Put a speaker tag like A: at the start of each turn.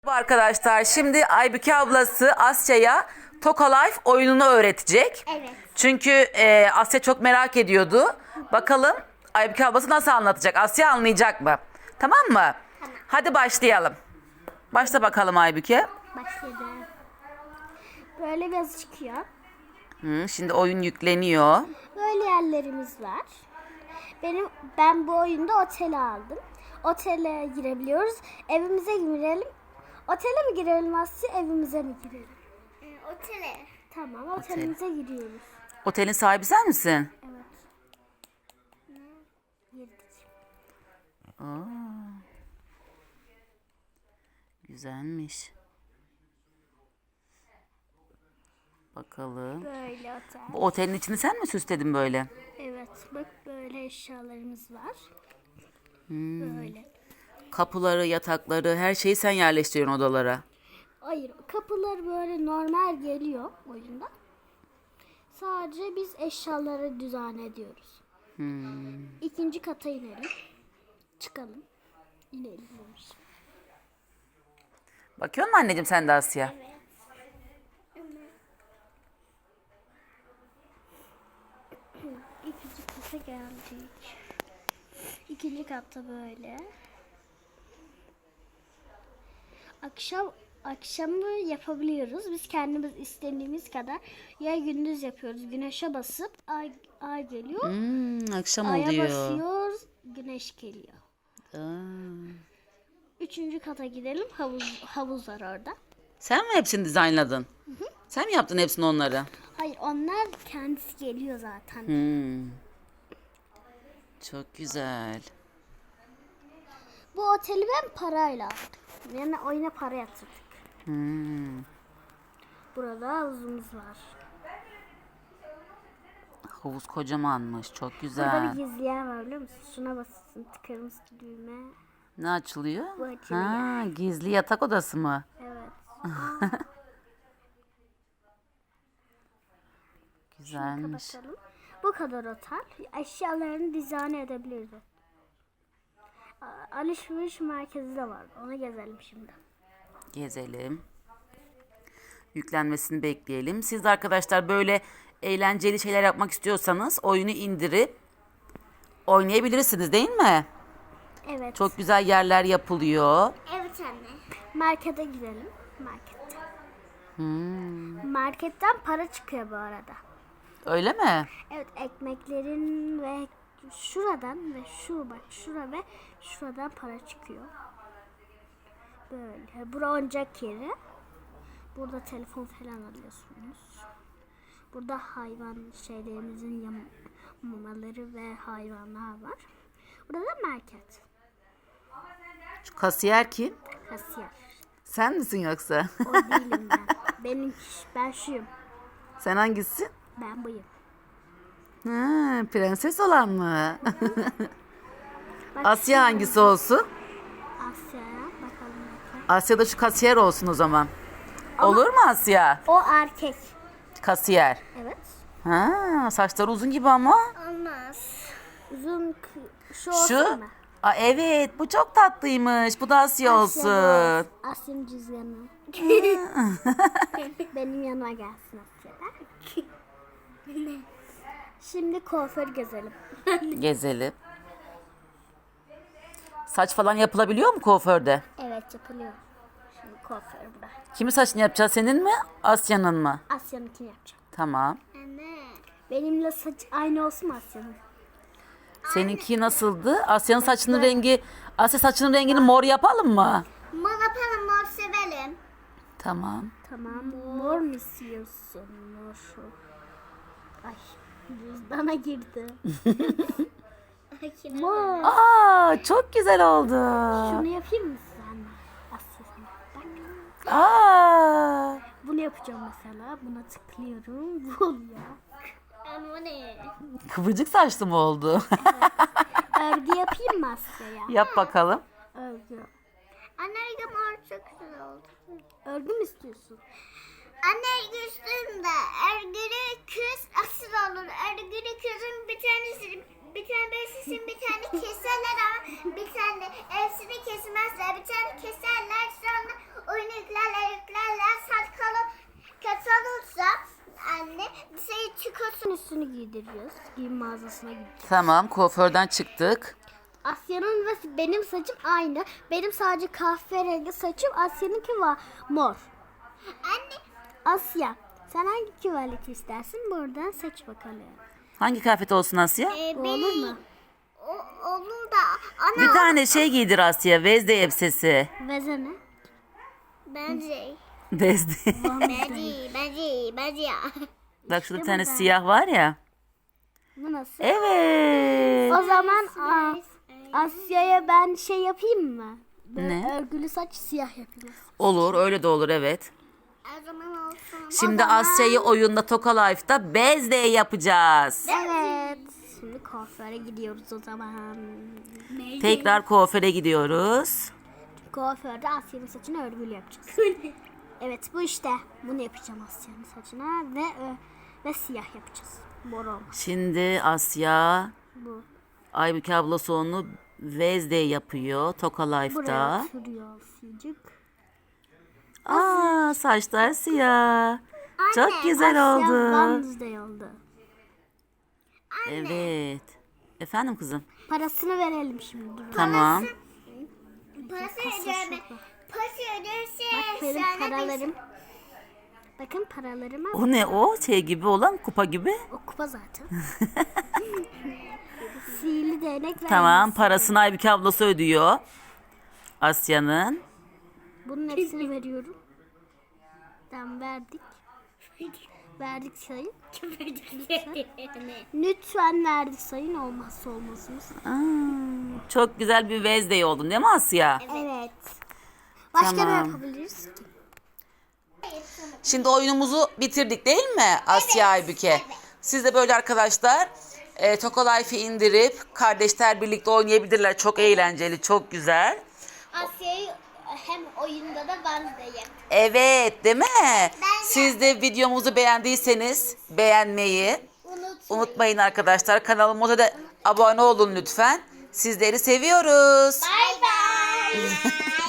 A: Merhaba arkadaşlar. Şimdi Aybüke ablası Asya'ya Toka Life oyununu öğretecek.
B: Evet.
A: Çünkü Asya çok merak ediyordu. Bakalım Aybüke ablası nasıl anlatacak? Asya anlayacak mı? Tamam mı?
B: Tamam.
A: Hadi başlayalım. Başla bakalım Aybüke.
B: Başladı. Böyle bir yazı çıkıyor.
A: Şimdi oyun yükleniyor.
B: Böyle yerlerimiz var. Ben bu oyunda otele aldım. Otele girebiliyoruz. Evimize girelim. Otele mi girelim Asya, evimize mi girelim? Otele. Tamam, otelimize giriyoruz.
A: Otelin sahibi sen misin?
B: Evet. Girdik.
A: Güzelmiş. Bakalım.
B: Böyle otel.
A: Bu otelin içini sen mi süsledin böyle?
B: Evet, bak böyle eşyalarımız var. Böyle.
A: Kapıları, yatakları, her şeyi sen yerleştiriyorsun odalara.
B: Hayır, kapılar böyle normal geliyor oyunda. Sadece biz eşyaları düzen ediyoruz. İkinci kata inelim. Çıkalım. İnelim demiş.
A: Bakıyor musun anneciğim sen de Asya?
B: Evet. İkinci kata geldik. İkinci katta böyle. Akşamı yapabiliyoruz. Biz kendimiz istediğimiz kadar ya gündüz yapıyoruz. Güneşe basıp ay geliyor.
A: Akşam
B: Aya
A: oluyor.
B: basıyoruz. Güneş geliyor.
A: Aa.
B: Üçüncü kata gidelim. Havuz var orada.
A: Sen mi hepsini dizaynladın? Sen mi yaptın hepsini onları?
B: Hayır, onlar kendisi geliyor zaten.
A: Çok güzel.
B: Bu oteli ben parayla aldım. Yani oyuna para yatırdık. Burada havuzumuz var.
A: Havuz kocamanmış. Çok
B: Burada
A: güzel.
B: bir gizli yer var, biliyor musun? Şuna basıyorsun, tıkarımsı düğme.
A: Ne açılıyor?
B: Bu açılıyor.
A: Gizli yatak odası mı?
B: Evet.
A: Güzelmiş.
B: Kapatalım. Bu kadar otel. Eşyalarını dizayn edebiliriz. Alışveriş merkezi de var. Ona gezelim şimdi.
A: Gezelim. Yüklenmesini bekleyelim. Siz de arkadaşlar böyle eğlenceli şeyler yapmak istiyorsanız oyunu indirip oynayabilirsiniz değil mi?
B: Evet.
A: Çok güzel yerler yapılıyor.
B: Evet anne. Markete gidelim. Markete. Marketten para çıkıyor bu arada.
A: Öyle mi?
B: Evet, ekmeklerin ve şuradan ve şura ve şuradan para çıkıyor. Böyle. Bura oyuncak yeri. Burada telefon falan alıyorsunuz. Burada hayvan şeylerimizin mamaları ve hayvanlar var. Burada da market.
A: Şu kasiyer kim?
B: Kasiyer.
A: Sen misin yoksa?
B: O değilim ben. Ben şuyum.
A: Sen hangisi?
B: Ben buyum.
A: Prenses olan mı?
B: Bak,
A: Asya hangisi olsun?
B: Asya'ya bakalım.
A: Asya da şu kasiyer olsun o zaman. Olur mu Asya?
B: O erkek.
A: Kasiyer.
B: Evet.
A: Saçları uzun gibi ama.
B: Olmaz. Uzun şu olsun
A: Şu?
B: mu?
A: Evet, bu çok tatlıymış. Bu da Asya olsun.
B: Asya'nın cüzdanı. Benim yanıma gelsin Asya'da. Şimdi kuaför gezelim.
A: Gezelim. Saç falan yapılabiliyor mu kuaförde?
B: Evet, yapılıyor. Şimdi kuaför burada.
A: Kimin saçını yapacağız? Senin mi? Asya'nın mı?
B: Asya'nınkini yapacağım.
A: Tamam.
B: Anne. Benimle saç aynı olsun mu Asya'nın?
A: Seninki nasıldı? Asya'nın saçının rengi, Asya saçının rengini mor yapalım mı?
B: Mor yapalım, mor sevelim.
A: Tamam.
B: Tamam. Mor mu istiyorsun? Mor şu. Ay, cüzdana girdi. Mor.
A: Çok güzel oldu.
B: Şunu yapayım mı sen? Asya sana. Bak. Bunu yapacağım mesela. Buna tıklıyorum. Bu oluyor. Ama ne?
A: Kıvırcık saçlı mı oldu?
B: Örgü yapayım mı Asya'ya?
A: Yap bakalım.
B: Örgü. Anne, mor çok güzel oldu. Örgü mü istiyorsun? Anne, üstünde örgülü kız asıl olur. Örgülü kızın bir tanesi
C: bir tane beslesin, bir tane keserler ama bir tane hepsini kesmezler. Bir tane keserler, sonra oyunu yüklerler. Saat kötü olursa anne dışarı çıkıyorsun.
B: Üstünü giydiriyoruz. Giyim mağazasına gideceğiz.
A: Tamam, kuaförden çıktık.
B: Asya'nın ve benim saçım aynı. Benim sadece kahverengi saçım. Asya'nınki var mor.
C: Anne
B: Asya, sen hangi küvaleti istersin? Buradan seç bakalım.
A: Hangi kıyafet olsun Asya?
B: Bu olur mu?
C: olur da ana
A: Bir tane şey giydir Asya. Vezde elbisesi.
B: Veze ne?
C: bence
A: Vezde.
C: bence ya.
A: Bak şurada bir tane siyah var ya.
B: Bu nasıl?
A: Evet.
B: O zaman Asya'ya ben şey yapayım mı? Böyle
A: Ne?
B: örgülü saç siyah yapayım.
A: Olur, öyle de olur, evet.
C: O zaman olsun.
A: Şimdi Asya'yı oyunda Toka Life'da Vezde yapacağız.
B: Evet. Şimdi kuaföre gidiyoruz o zaman.
A: Tekrar kuaföre gidiyoruz.
B: Kuaförde Asya'nın saçını örgülü yapacağız. Evet bu işte. Bunu yapacağım Asya'nın saçına ve siyah yapacağız. Mor olmaz.
A: Şimdi Asya
B: Bu.
A: Aybüke ablası onu Vezde yapıyor Toka
B: Buraya
A: Life'da.
B: sürüyor Asya'cık.
A: Aa, saçlar siyah. Çok güzel
B: Asya
A: oldu.
B: Wednesday oldu.
A: Evet. Efendim kızım.
B: Parasını verelim şimdi. Dur.
A: Tamam.
C: Parası
B: Kasa
C: ödeme.
B: şurada.
C: Parası öderse
B: Bak benim
C: sana
B: paralarım. Bakın paralarıma.
A: O ne o? Şey gibi olan kupa gibi.
B: O kupa zaten. Sihirli değnek
A: Tamam, parasını Aybüke ablası ödüyor. Asya'nın.
B: Bunun hepsini veriyorum. Tamam verdik. Verdik sayın. Lütfen verdik sayın, olmazsa olmazımız.
A: Aa, çok güzel bir Vezde oldun değil mi Asya?
B: Evet. Başka ne
A: Tamam.
B: yapabiliriz ki?
A: Şimdi oyunumuzu bitirdik değil mi Asya Aybüke? Siz de böyle arkadaşlar Toka Life'ı indirip kardeşler birlikte oynayabilirler. Çok eğlenceli, çok güzel.
C: Asya'yı hem oyunda da Wednesday yap.
A: Evet, değil mi? Siz de videomuzu beğendiyseniz beğenmeyi unutmayın arkadaşlar. Kanalımıza da abone olun lütfen. Sizleri seviyoruz.
C: Bye bye.